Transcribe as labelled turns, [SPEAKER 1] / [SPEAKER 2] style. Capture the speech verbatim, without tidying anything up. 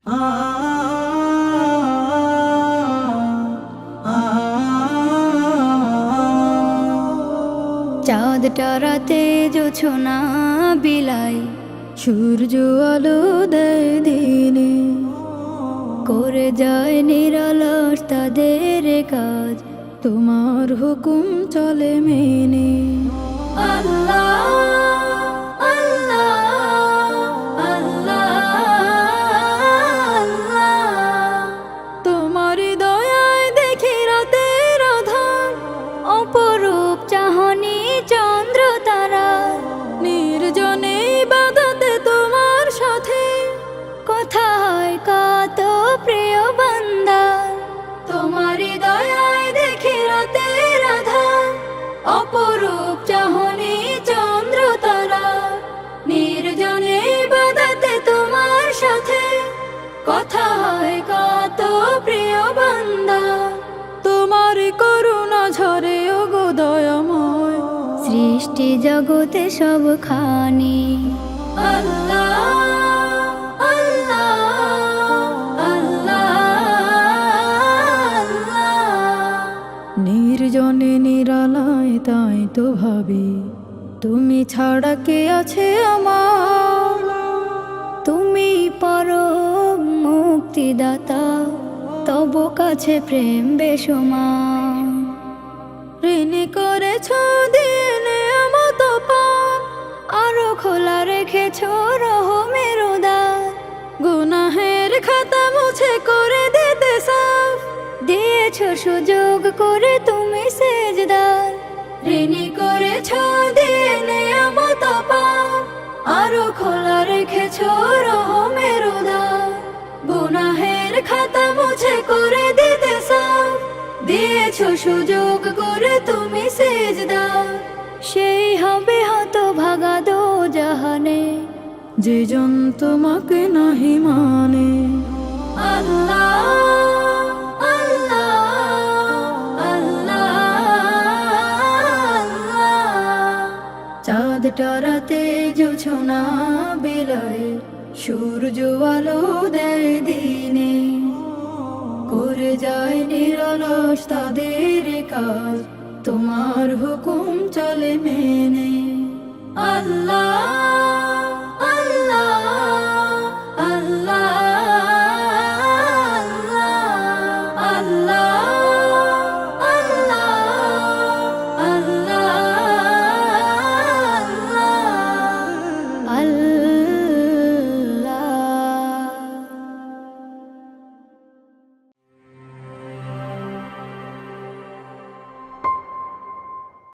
[SPEAKER 1] চাঁদ টারাতে জোছনা বিলাই, সূর্য আলো দেয় দিনে, করে যায় নিরলস তাদের কাজ, তোমার হুকুম চলে মেনে। আল্লাহ আল্লাহ আল্লাহ, তোমার দয়ায় দেখি রাতের আধার, অপরূপ চাহনি চন্দ্র তারা, নির্জনে ইবাদতে তোমার সাথে, কথা হয় কত প্রিয় বান্দা। তোমার দয়ায় দেখি রাতের আধার, অপরূপ চাহনি চন্দ্র তারা, নির্জনে ইবাদতে তোমার সাথে, কথা হয় কত প্রিয় বান্দা। তোমার করুণা ঝরে ওগো দয়াময়, সৃষ্টি জগতে সব খানি। আল্লাহ নির্জনে নিরালায় তাই তো ভাবি, তুমি ছাড়া কে আছে আমার, তুমি পরম মুক্তিদাতা, তব কাছে প্রেম বেসমান। ঋণী করেছ দিনে মত পান, আরো খোলা রেখেছ রহমের উদার, গুনাহের খাতা মুছে করে দিতে সাফ, দিয়েছ সুযোগ করে তুমি সেজদার। ঋণী করেছ দিনে মত পান, আরো খোলা রেখেছ রহমের উদার, গুনাহের খাতা মুছে করে দিতে সাফ, দিয়েছ সুযোগ করে তুমি সেজদার। সেই হবে হতভাগা দো জাহানে, যে জন তোমাকে নাহি মানে। আল্লাহ চাঁদ টারাতে জোছনা বিলাই, সূর্য আলো দেয় দিনে, করে যায় নিরলস তাদের কাজ, তোমার হুকুম চলে মেনে। আল্লাহ